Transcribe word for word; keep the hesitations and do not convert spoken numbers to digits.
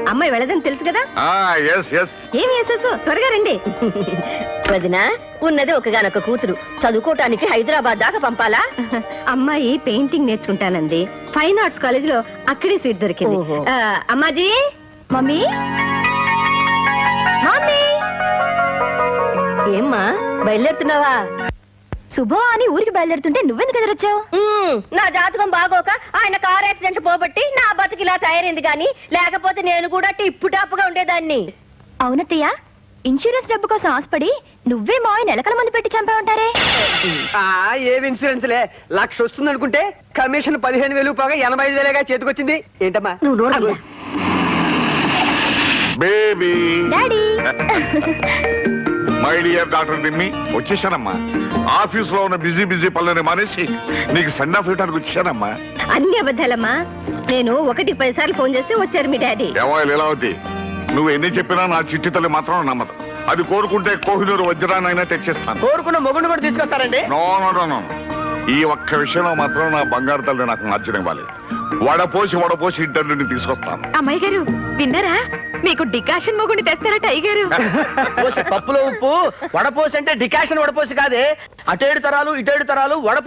అమ్మాయి వెళ్ళదని తెలుసు కదా. ఏమి వేసేసు త్వరగా రండి. వదినా, ఉన్నది ఒకగానొక కూతురు, చదువుకోవటానికి హైదరాబాద్ దాకా పంపాలా? అమ్మాయి పెయింటింగ్ నేర్చుకుంటానండి, ఫైన్ ఆర్ట్స్ కాలేజ్ లో అక్కడే సీట్ దొరికింది. ఆ, అమ్మాజీ. మమ్మీ మమ్మీ ఏమ్మా బయలుదేరుతున్నావా? శుభం అని ఊరికి బయలుదేరుతుంటే నువ్వెందుకు ఎదురొచ్చావు? నా జాతకం బాగోక ఆయన కార్ యాక్సిడెంట్ పోబట్టి నా బతుకు ఇలా తయారైంది గాని లేకపోతే నేను కూడా టిప్పు టాప్గా ఉండేదాన్ని. అవునత్తయ్య, ఇన్సూరెన్స్ డబ్బు కోసం ఆశపడి నువ్వే మావి నెలకల మంది పెట్టి చంపా ఉంటారే. ఏం ఇన్సూరెన్స్ లే, లక్ష వస్తుంది అనుకుంటే కమిషన్ పదిహేను వేలు పోగా ఎనభై ఐదు వేలేగా చేతికొచ్చింది. ఏంటమ్మా నువ్వు నోడు. Baby daddy. My dear doctor దిమ్మి, వచ్చేసానమ్మా. ఆఫీస్ లో ఉన్న బిజీ బిజీ పనులని మానేసి నీకు సెండ్ ఆఫ్ ఇవ్వడానికి వచ్చానమ్మా. అన్ని అబద్ధాలమ్మా. నేను ఒకటి పది సార్లు ఫోన్ చేస్తే వచ్చారు మీ డాడీ. ఏమో లీలావతి, నువ్వు ఎన్ని చెప్పినా నా చిట్టి తల్లి మాత్రం నమ్మదు. అది కోరుకుంటే కోహినూరు వజ్రాన్నైనా తెచ్చిస్తాను. కోరుకున్న మొగుడు కూడా తీసుకొస్తారండి. నో నో నో నో ఈ ఒక్క విషయంలో మాత్రం నా బంగారు తల్లి నాకు నచ్చనివ్వాలి. వడపోసి వడపోసి ఇంటర్వ్యూని తీసుకొస్తాను. అమ్మాయి గారు విన్నారా, మీకు డికాషన్ మొగుండి తెస్తారట అయ్యగారు. పప్పులో ఉప్పు వడపోసి అంటే డికాషన్ వడపోసి కాదే, అటేడు తరాలు ఇటేడు తరాలు వడపోసి